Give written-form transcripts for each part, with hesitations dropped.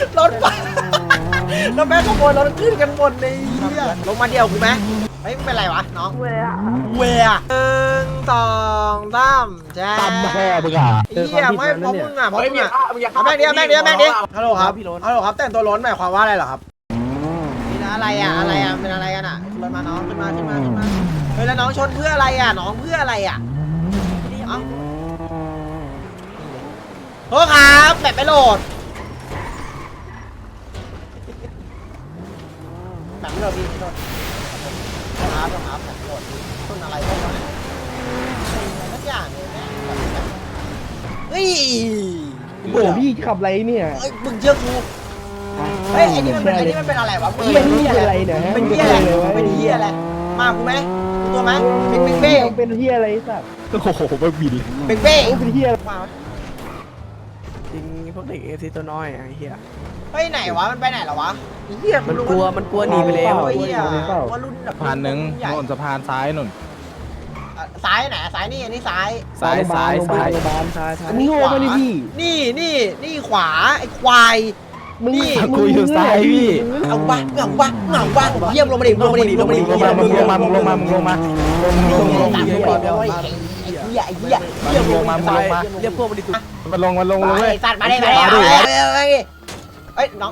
รถไฟแล้วแม่ขโมยรถขึ้นกันหมดเลยเฮียลงมาเดียวกูไหมเฮ้ยมึงเป็นไรวะน้องเวีย1 2 3แจ๊บตำแค่มึงอ่ะเฮียไม่เพราะมึงอ่ะเพราะมึงอ่ะแม่งเดียวฮัลโหลครับฮัลโหลครับแต่งตัวล้นหมายความว่าอะไรเหรอครับนี่นะอะไรอ่ะเป็นอะไรกันอ่ะขึ้นรถมาน้องขึ้นมาเฮ้ยแล้วน้องชนเพื่ออะไรอ่ะน้องเพื่ออะไรอ่ะเอ้าโทษครับแบบไม่โหลดแบบไม่โหลดพี่โทษครับแบบไม่โหลดต้นอะไรต้นอะไรสักอย่างเลยแม่เฮ้ยโอ้พี่ขับไรเนี่ยเอ้ยมึงเชื่อกูเฮ้ยไอ้นี่มันเป็นอะไรวะเฮียนี่เป็นอะไรเนี่ยฮะเป็นเฮียอะไรมากูไหมกูตัวไหมเป็นเบ้เป็นเฮียอะไรสัตว์โอ้โหไม่บินเป็นเบ้เป็นเฮียมาจริงพวกเด็กเอฟซีตัวน้อยไอ้เหี้ยเฮ้ยไหนวะมันไปไหนหรอวะเฮียมันกลัวหนีไปแล้วไอ้เฮียว่ารุ่นแบบสะพานหนึ่งใหญ่โน่นสะพานซ้ายนุ่นซ้ายไหนซ้ายนี่อันนี้ซ้ายซ้ายโรงพยาบาลใช่อันนี้โง่ไม่ได้พี่นี่ขวาไอ้ควายมึงกูอยู่ซ้ายพี่เอาวะเยี่ยมลงมาดิลงมามึงลงมามึงลงมามึงลงมามึงลงมาไอ้เหี้ยมึงลงมามึงลงมาเรียกพวกมันดิตุมันลงเลยไอ้สัตว์มาดิเอ้ยน้อง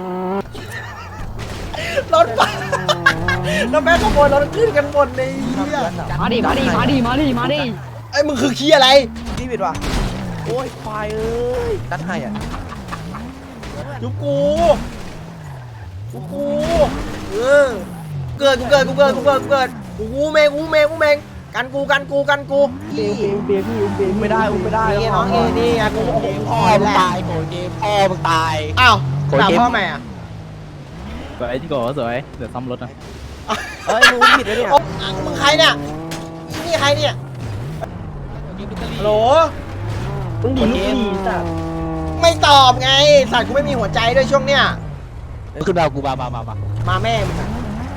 รถไฟแล้วแม่ขโมยรถขึ้นกันหมดเลยเหี้ยมาดิไอ้มึงคือขี้อะไรนี่บิดว่ะโอ้ยควายเอ้ยนัดให้อ่ะจุกูเออเกิดกูเมงกันกูเบียร์พี่เบียร์ไม่ได้ไม่ได้นี่น้องนี่ไงกูพ่อแหละโกรธเกมพ่อมึงตายอ้าวด่าพ่อแม่อะสวยที่ก่อสวยเดี๋ยวซ่อมรถนะเอ้ยมึงผิดแล้วเนี่ยมึงใครเนี่ยนี่ใครเนี่ยฮัลโหลมึงดีลูกดีสัตว์ไม่ตอบไงสัตว์กูไม่มีหัวใจด้วยช่วงเนี้ยขึ้นดาวกูมามาแม่มึงอะ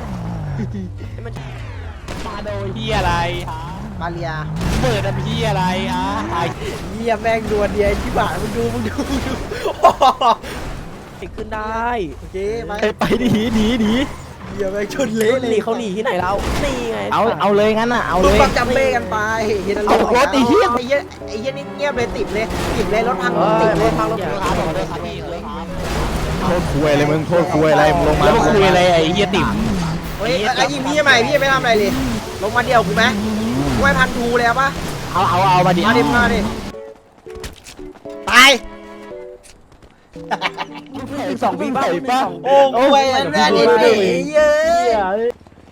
มาโดยพี่อะไรมาเรียเปิดน้ำพี่อะไรอ่ะเยี่ยแม่งดวลเดียที่บ้านมึงดูติดขึ้นได้โอเคไปไปดีเยี่ยแม่งชนเละเลยหนีเขาหนีที่ไหนเรานี่ไงเอาเลยงั้นอ่ะเอามึเลงยฟังจำเบ้กันไปเฮียเอารถไอ้เหี้ยไอ้เหี้ยนี่เงียบเลยติดเลยรถพังเออติดเลยพังรถครับผมเลยครับพี่เลยโทษคุยอะไรมึงโทษคุยอะไรมึงลงมาแล้วคุยอะไรไอ้เหี้ยติ๋มเฮ้ยไอ้ยิงพี่ทำไมพี่ไม่ทำอะไรเลยลงมาเดียวกูไหมกูให้พันทูเลยปะเอามาดิมาดิตาย 2 ปีป่ะโอ้โหแม่ดิเย้ย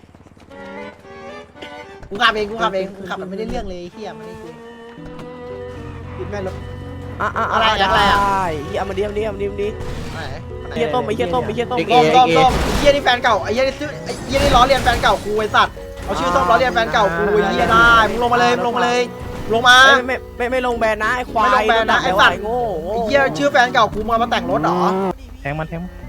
กูขับเองขับมันไม่ได้เรื่องเลยเฮียมันไม่คุยปิดแม่รถอะไรเฮียมาดิเฮียต้มไอ้เฮียต้มต้มเฮียนี่แฟนเก่าไอ้เฮียนี่ซื้อไอ้เฮียนี่ล้อเลียนแฟนเก่ากูไอ้สัตว์เอาชื่อส้มล้อเลียนแฟนเก่ากูไอ้เฮียได้มึงลงมาลงมาไม่ลงแบนนะไอ้ควายไม่ลงแบนนะไอ้สัตว์โง่ไอ้เฮียชื่อแฟนเก่ากูมาแต่งรถเหรอแทงมัน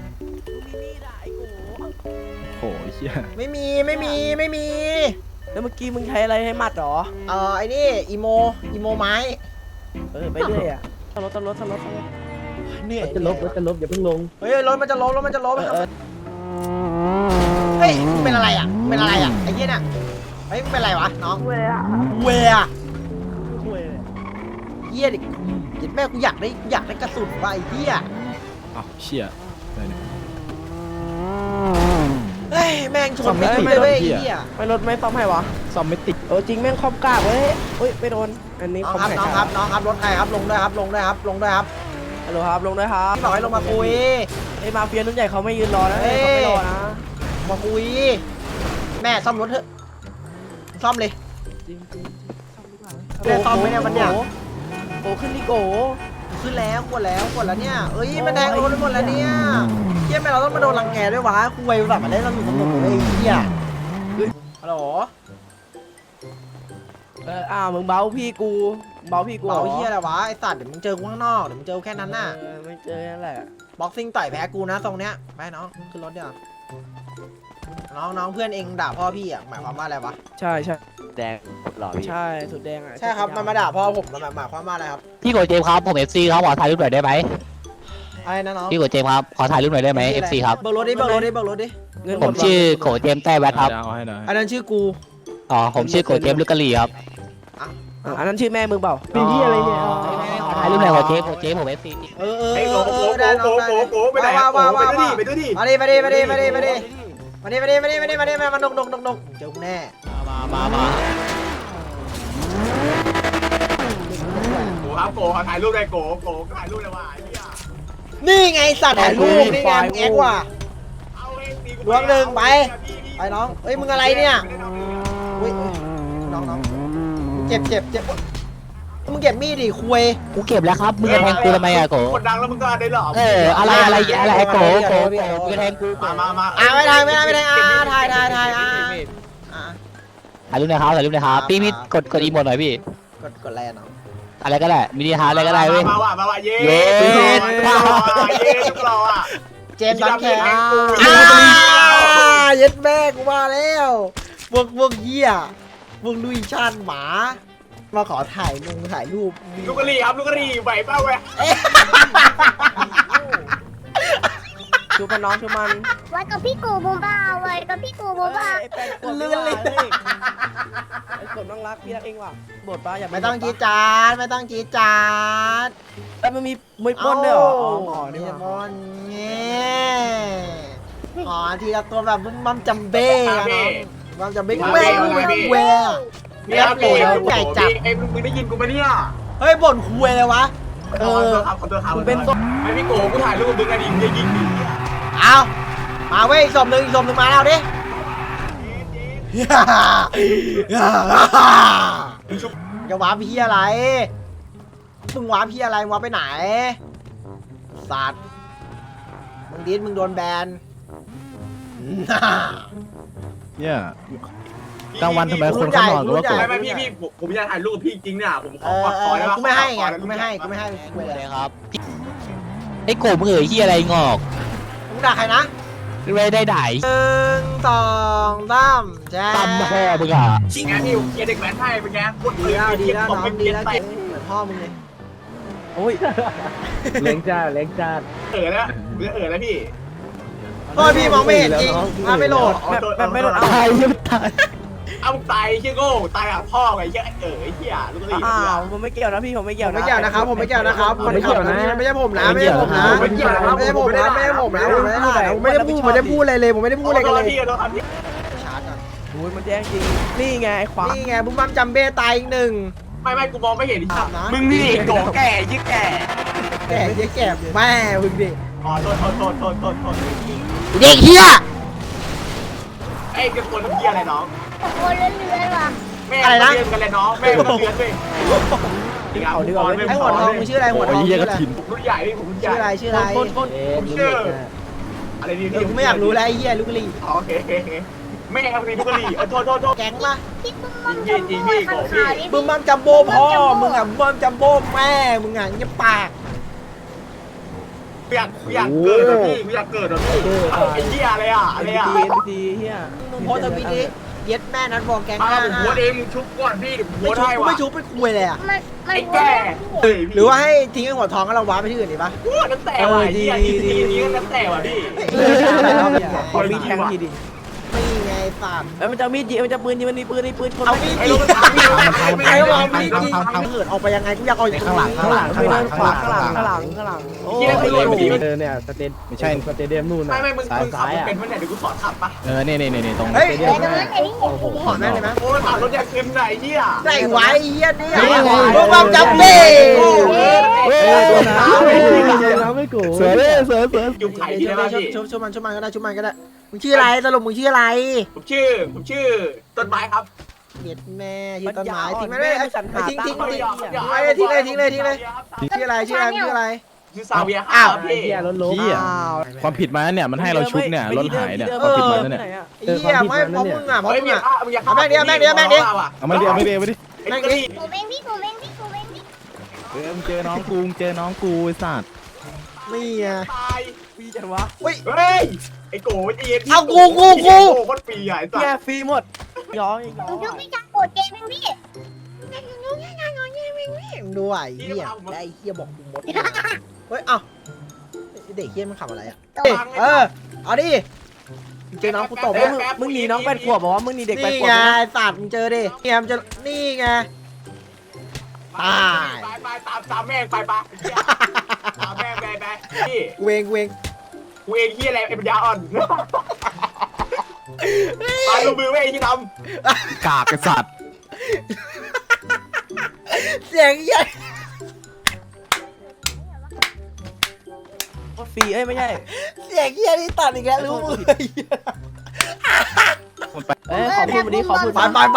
โอ้ยเหี้ยไม่มีแล้วเมื่อกี้มึงใช้อะไรให้มัดหรอไอ้นี่อีโมไม้ไปเรื่อยอ่ะตลดเหนื่อยจะลบอย่าเพิ่งลงเฮ้ยรถมันจะล้มเฮ้ยเป็นอะไรอ่ะไอ้เหี้ยน่ะเฮ้ยเป็นอะไรวะน้องเวียเหี้ยดิยิดแม่กูอยากได้กระสุนว่ะไอ้เหี้ยอ้าวเชี่ยอะไรเนี่ยเฮ้ยแม่งชนไม่ติดเลยเว้ยไอ้เหี้ยไม่รถไม่ซ่อมให้วะซ่อมไม่ติดจริงแม่งคอมกากเว้ยไม่โดนอันนี้น้องคอมครับแข็งน้องครับรถใครครับลงด้วยครับฮัลโหลครับลงด้วยครับพี่บอกให้ลงมาคุยไอ้มาเฟียรุ่นใหญ่เขาไม่ยืนรอนะเขาไม่รอนะมาคุยแม่ซ่อมรถเถอะซ่อมเลย ได้ซ่อมไหมเนี่ยมันเนี่ยโกขึ้นดิโกขึ้นแล้วกดแล้วเนี่ยเอ้ยมันแทงรถไปหมดแล้วเนี่ยเฮียแม่เราต้องมาโดนรังแกด้วยวะคุยแบบมาเล่นสนุกเลยเฮียฮัลโหลมึงเบาพี่กูเบาเฮียอะไรวะไอสัตว์เดี๋ยวมึงเจอกูข้างนอกเดี๋ยวมึงเจอแค่นั้นน่ะไม่เจอนั่นแหละบ็อกซิ่งต่อยแพ้กูนะตรงเนี้ยไปน้องขึ้นรถเดี๋ยวน้องเพื่อนเองด่าพ่อพี่อ่ะหมายความว่าอะไรวะใช่แดงหล่อพี่ใช่สุดแดงอ่ะใช่ครับมันมาด่าพ่อผมหมายความว่าอะไรครับพี่โกเจมส์ครับผม FC ครับขอถ่ายรูปหน่อยได้ไหมอะไรนะน้องพี่โกเจมส์ครับขอถ่ายรูปหน่อยได้ไหม FC ครับเบิกรถดิเบิกรถดิเบิกรถดิเงินหผม มชื่อโกเจมส์แต้แวดครับเอาให้หน่อยอันนั้นชื่อกูอ๋อผมชื่อโกเจมส์ลูกกะหรี่ครับอันนั้นชื่อแม่มึงเปล่าเป็นที่อะไรเนี่ยขอถ่ายรูปหน่อยโกเจมส์ผม FC ไอ้โกได้น้องได้โกไปไหนไปด้วยดิมาดิมาดิมาดิมาดิมาดิมาดิมาดิมาดิมาดิมาดิมาดกเจอกูแน่มาโกครับโกถ่ายรูปได้โกถ่ายรูปเลยว่ะนี่ไงสัตว์ถ่ายรูปนี่ไงมึงแอ็กว่ะรวมหนึ่งไปน้องเอ้ยมึงอะไรเนี่ยอุ้ยน้องเจ็บมึงเก็บมีดดิคุยกูเก็บแล้วครับมึงจะแทงกูทำไมอะโกคนดังแล้วมึงก็ได้หรออะไรโกมึงจะแทงกูมาไม่ได้ถ่ายถ่ายรูปหน่อยครับพี่กดอีโมดหน่อยพี่กดอะไรน้องอะไรก็ได้มินิฮาร์ดอะไรก็ได้เว้ยมาว่ะเย้รออ่ะเจมส์ดอนแคร์ย็ดแม่กูมาแล้วพวกเหี้ยพวกลุยชาติหมามาขอถ่ายรูปลูกกะหรี่ครับลูกกะหรี่ไหวเปล่าเว้ยชูมันน้องชูมันไว้กับพี่กูบูบ้าไว้กับพี่กูบูบ้าไอ้แป้งกดลื่นเลยไอ้กดน้องรักพี่รักเองว่ะบทป้าอย่าไม่ต้องจีจาดแล้วมันมีมวยปล้นด้วยเหรออ๋อนี่นี่บอลเงี้อ๋อทีละตัวแบบมัมจัมเบ้มัมจัมเบ้แม่แหวเนี่ยโกไอ้มึงได้ยินกูปะเนี่ยเฮ้ยบ่นคุยเลยวะขอตัวครับเป็นต้นไอ้พี่โกกูถ่ายรูปมึงกันดิมึงจะยิงดิเอามาเว้ยอีกศพหนึ่งมาแล้วดิจะวาร์ปพี่อะไรมึงวาร์ปพี่อะไรวาร์ปไปไหนสัตว์มึงดิสมึงโดนแบนเนี่ยกลางวันทำไมคนเขานอนกันว่าโกไม่พี่ผมอยากถ่ายรูปพี่จริงเนี่ยผมขอได้กูไม่ให้ไงกูไม่ให้คุยเลเลยยครับไอ้โกมึงที่อะไรงอกมึงด่าใครนะไม่ได้ด่า 1 2 3แจ๊ตั้มพ่อมึงอ่ะจริงไงพี่เด็กแว้นไทยเป็นไงพูดดีแล้วน้องดีแล้วไปเหมือนพ่อมึงเลยโอ้ยเล้งจ้าแล้วพี่โทษพี่มองไม่เห็นจริงมาไม่โหลดแบบไม่โดนเอาตายยังตายเอาตายเชี่ยโง่ตายอ่ะพ่อไงเชี่ยไอ้เชี่ยลูกนี่อ้าวผมไม่เกี่ยวนะพี่ผมไม่เกี่ยวไม่เกี่ยวนะครับผมไม่เกี่ยวนะครับไม่ใช่ผมนะไม่ใช่ผมนะไม่ได้พูดอะไรเลยผมไม่ได้พูดอะไรกันเลยพี่เราทำพี่ชาร์จก่อนโอ้ยมันแย่งจริงนี่ไงไอ้ขวานี่ไงบุ้มบัมจัมเบ้ตายอีกหนึ่งไม่กูมองไม่เห็นมึงนี่โกแก่ยิ่งแก่แก่เยอะแก่แม่มึงดิอ๋อโทษเด็กเฮียไอ้กับคนเฮียอะไรน้องตะโกนเรื่อยๆว่ะแม่เรียนกันเลยน้องแม่เรียนเลยไอ้หัวทองมึงชื่ออะไรหัวทองชื่ออะไรผมรุ่นใหญ่พี่ผมรุ่นใหญ่ชื่ออะไรผมชื่ออะไรดีกูไม่อยากรู้แล้วไอ้เฮียลูกกะลีโอเคแม่ครับนี่ลูกกะหรี่โทษแก๊งปะพี่ปุ้มมัมจัมโบ้ข้างขาดิบุ้มบัมจัมโบ้พ่อมึงอ่ะบุ้มบัมจัมโบ้แม่มึงอ่ะเงียบปากอยากเกิดพี่อยากเกิดพี่ไอ้เหี้ยอะไรอ่ะทีเฮียมึงโพสต์ทวิตดิเย็ดแม่นัดบอกแก๊งมาห้าผมหัวเองมึงชุบก่อนพี่หัวได้วะไม่ชุบไปคุยเลยอ่ะมันไอ้แก่หรือว่าให้ทิ้งไอ้หัวทองแล้วเราว้าไปที่อื่นดีปะหัวนั่นแต่ว่ะเหี้ยทีนี้นั่นแต่ว่ะพี่ขอมีแทงทีดินี่ไงฝากเอ้ยมันจะมีดยิงมันจะปืนยิงมันมีปืนคนเอามีดไอ้ยิลูงกตาพี่ไอ้วางมีดยิงเหินออกไปยังไงกูอยากเอาข้างหลังข้างหลังข้างหลังโอ้ยเนี่ยสเตนไม่ใช่สเตเดียมนู่นไม่มึงขับเป็นคนไหนเดี๋ยวกูสอนขับปะนี่ตรงเฮ้ยแต่ตรงนั้นไอ้นี่โอ้โหขอแม่เลยไหมโอ้ขับรถอยากเค็มไหนเหี้ยไหนไว้เฮียนี่บุ้มบัมจัมเบ้น้ำไม่โกรธเสือเลยเสืออยู่ไข่ที่ไหนบ้างพี่ชุบมันก็ได้มึงชื่ออะไรสรุปมึงชื่ออะไรผมชื่อต้นไม้ครับเย็ดแม่ชื่อต้นไม้ทิ้งไม่ได้ทิ้งทิ้งไม่ทิ้งเลยชื่ออะไรชื่อซาเวียอ้าวพี่เฮียล้มพี่อ่ะความผิดมาเนี่ยมันให้เราชุบเนี่ยรถหายเนี่ยความผิดมาเนี่ยเฮียไม่เพราะมึงอ่ะเพราะเฮ้ยมึงมึงอ่ะอยากเอาไม่ได้ไอ้ไม่ได้กูเองพี่กูเองพี่กูเองพี่มึงเจอน้องกูไอ้สัตว์นี่อ่ะตายปีจังวะเฮ้ยไอ้โก้คนปีใหญ่สัแย่สฟรีหมดย้อยมึงชื่อพี่จักรโกรธเกมเองพี่ดูไอ้เฮียได้เฮียบอกกูหมดเฮ้ยเอ้าเด็กเฮี้ยมันขับอะไรอ่ะตัวเออเอาดิเจอน้องกูตบมึงหนีน้อง8 ขวบบอกว่ามึงหนีเด็ก8 นี่ขวบไงนะสัตว์มึงเจอดิเนี่ยมันจะนี่ไง ตายไปตามแม่งไปตามแม่งไปพี่กูเองกูเองเฮียอะไรไอ้ปัญญาอ่อนไปลงมือไว้ไอ้ที่ทกากไอ้สัตว์เสียงเหี้ยฟรีไม่ใช่เสียงเหี้ยนี่ตัดอีกแล้วรู้มือขอพูดวันนี้ขอพูดไป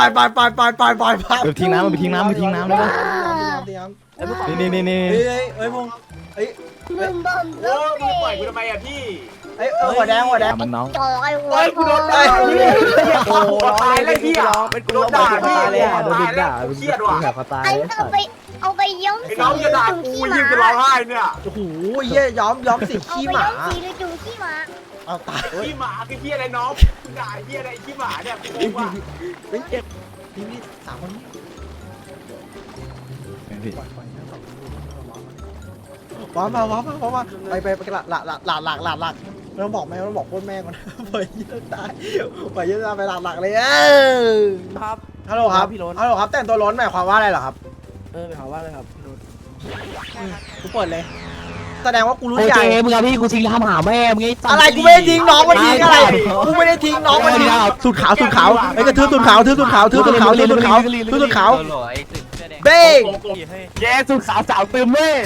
ไปทิ้งน้ำมันไปทิ้งน้ำได้ปะนี่เฮ้ยพงเฮ้ยบึ้มบึ้มำโอ้มึงปล่อยกูทำไมอะพี่เฮ้ยหัวแดงมันน้องจอยหัวเฮ้ยกูโดนเฮ้ยโอ้ตายเลยพี่ร้องเป็นกูร้องด่าตายเลยโดนด่าเครียดว่ะแบบเขาตายอันแล้วเอาไปย้อมไอ้น้องจะด่ากูยิ่งจะร้องไห้เนี่ยโอ้โหเหี้ยย้อมสีเอาขี้ไปหมาย้อมสีหรือจุ่มขี้หมาเอาตายขี้หมาคือขี้อะไรน้องมึงด่าไอ้ขี้อะไรขี้หมาเนี่ยกูงงว่ะเฮ้ยนี่สามคนนี้ว้ามาไปหลักไม่ต้องบอกแม่ต้องบอกโคตรแม่ก่อนปล่อยเยอะตายปล่อยเยอะตายไปหลักเลยครับฮัลโหลครับพี่โรนฮัลโหลครับแต่งตัวล้นหมายความว่าอะไรเหรอครับไปหาว่าเลยครับพี่โรนกูเปิดเลย แสดงว่ากูรู้โอใหเคญ่มึงเอาพี่กูทิ้งทำหาแม่มึงไอ้สัตว์อะไรกูไม่ได้ทิ้งน้องมันทิ้งอะไรกูไม่ได้ทิ้งน้องมันทิ้งสุดขาวไอ้กระทืบสุดขาวเบ้งแย่สุดสาวสาวเติมเว้ย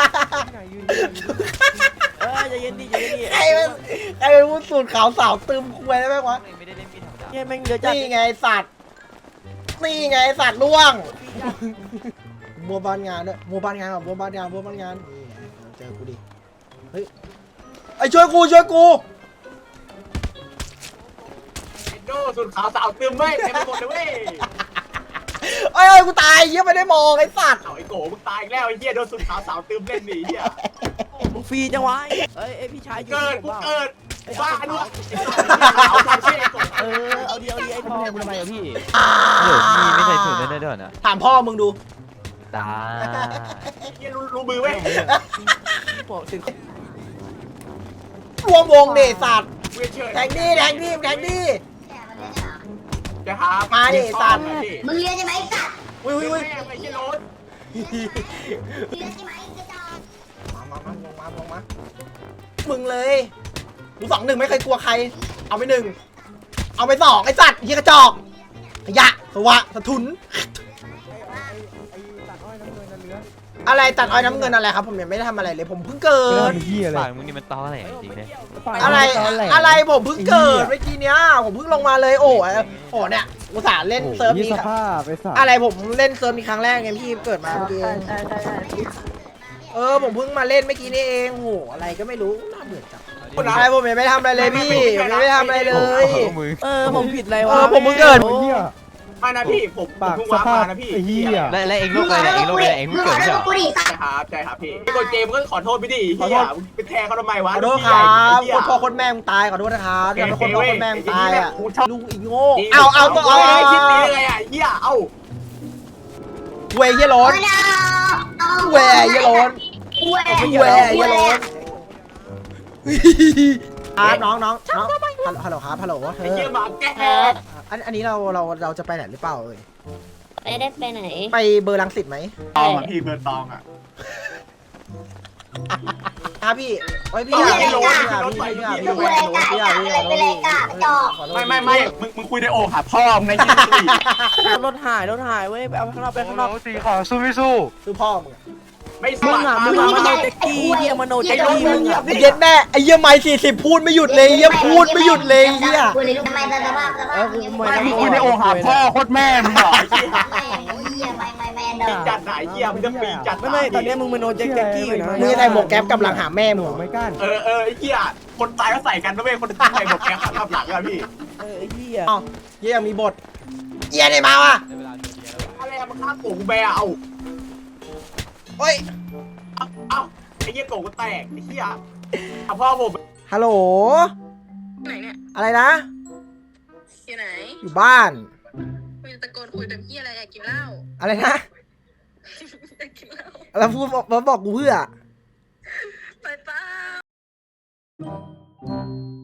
อย่าเย็นดิอย่าเย็นดิไอ้เป็นผู้สูตรขาวสาวตึมคุยได้ไหมวะเนี่ยแม่งเยอะจัดนี่ไงสัตว์ล่วงบัวบานงานด้วยบัวบานงานนี่เจอกูดิเฮ้ยไอ้ช่วยกูโดสุดขาวสาวเติมเว้ยเต็มไปหมดเลยเว้ยเอ้ยกูตายเหี้ยไม่ได้มองไอ้สัตว์เอาไอ้โกมึงตายอีกแล้วไอ้เหี้ยโดนสุดขาวสาวเติมเล่นหนีเหี้ยมึงฟรีจังวะพี่ชายเกิดกูเกิดบ้าด้วยเอาทำเช่ไอ้โกเอาเดียวไอ้พ่อทำไมอะพี่ไม่ใส่ถุงได้ด้วยนะถามพ่อมึงดูตาเหี้ยรู้มือเว้ยบอกถึงรวมวงเดสัตว์เวียนเชิญแทงดิจะหามาดิสัตว์มึงเรียนใช่ไหมสัตว์อุ้ยแม่ไอ้เหี้ยโรถเรียนใช่ไหมกระจอกลงมามึงเลยกู2-1ไม่เคยกลัวใครเอาไป1เอาไป2ไอ้สัตว์เหี้ยกระจอกขยะสวะสะทุนอะไรตัดอ้อยน้ำเงินอะไรครับผมยังไม่ได้ทำอะไรเลยผมเพิ่งเกิดเหี้ยอะไรปากมึงนี่มันตอแหลจริงเลยอะไรผมเพิ่งเกิดเมื่อกี้เนี้ยผมเพิ่งลงมาเลยโอ้เนี่ยอุตส่าห์เล่นเซิร์ฟยี่นี้สภาพไปสัตว์อะไรผมเล่นเซิร์ฟนี้ครั้งแรกไงพี่เกิดมาเมื่อกี้ผมเพิ่งมาเล่นเมื่อกี้นี่เองโหอะไรก็ไม่รู้น่าเบื่อจังอะไรผมยังไม่ทำอะไรเลยพี่ผมยังไม่ทำอะไรเลยผมผิดอะไรวะผมเพิ่งเกิดเหี้ยมานะพี่ผมปากเพิ่งสว้าภาพมานะพี่ไอ้เหี้ยและเองลูกอะไรเองลูกอะไรเองมึลูงกขเกิอดโทใช่ษเหรอกูดิสัตว์ใช่ครับพี่ไอ้คนเจมก็ขอโทษพี่ดิเฮียไปแทงเขาทำไมวะขอโทษครับคนพ่อคนแม่มึงตายขอโทษนะครับอย่าเป็นคนพ่อคนแม่มึงตายอ่ะลุงอีโง่เอาก็เอาไอ้คิดนี้เลยอ่ะเฮียเอาเวยเยโรนเวยเยโรนน้องฮัลโหลครับฮัลโหลเธไอ้อเฮียหมาแก่อันนี้เราจะไปไหนหรือเปล่าเอ่ยไม่ได้ไปไหนไปเบอร์ลังสิตไหมตองอ่ะพี่เบิร์ตองอ่ะพี่โอ้ยพี่อยากพี่ไม่มึงคุยในโอ่งหาพ่อมึงไงยี่สิบรถหายเว้ยไปเอาข้างนอกไปข้างนอกสีขอสู้ไม่สู้คือพ่อมึงไม่สมึงมัคอ่ะรมึงอ่ะมโนเจ็กกี้เฮียมโนเจ็กกี้มึงอ่ะไอ้เย็ดแม่ไอ้เยี่ยไม่40พูดไม่หยุดเลยเยี่ยพูดไม่หยุดเลยเยี่ยกูเลยรู้ทำไมสภาพมึงคุยในโอ่งหาพ่อโคตรแม่มึงเหรอไม่ปีจัดไหนเฮียมึงจะปีจัดไม่ตอนนี้มึงมโนเจ็กกี้อยู่นะมึงใส่หมวกแก๊ปกับหลังหาแม่มึงไม่กล้าไอ้เฮียคนตายก็ใส่กันนะเว้ยคนตายใส่หมวกแก๊ปทับหลังอะพี่ไอ้เฮียเยี่ยมีบทเยี่ยได้มาว่ะอะไรมึงฆ่าโกงแบเอาเฮ้ยเอาไอ้เฮียโกงก็แตกไอ้เฮียพ่อผมฮัลโหลไหนเนี่ยอะไรนะอยู่ไหนอยู่บ้านคุยตะโกนคุยแบบพี่อะไรอยากกินเหล้าอะไรนะอยากกินเหล้าแล้วพูดบอกกูเพื่อไปป้าะ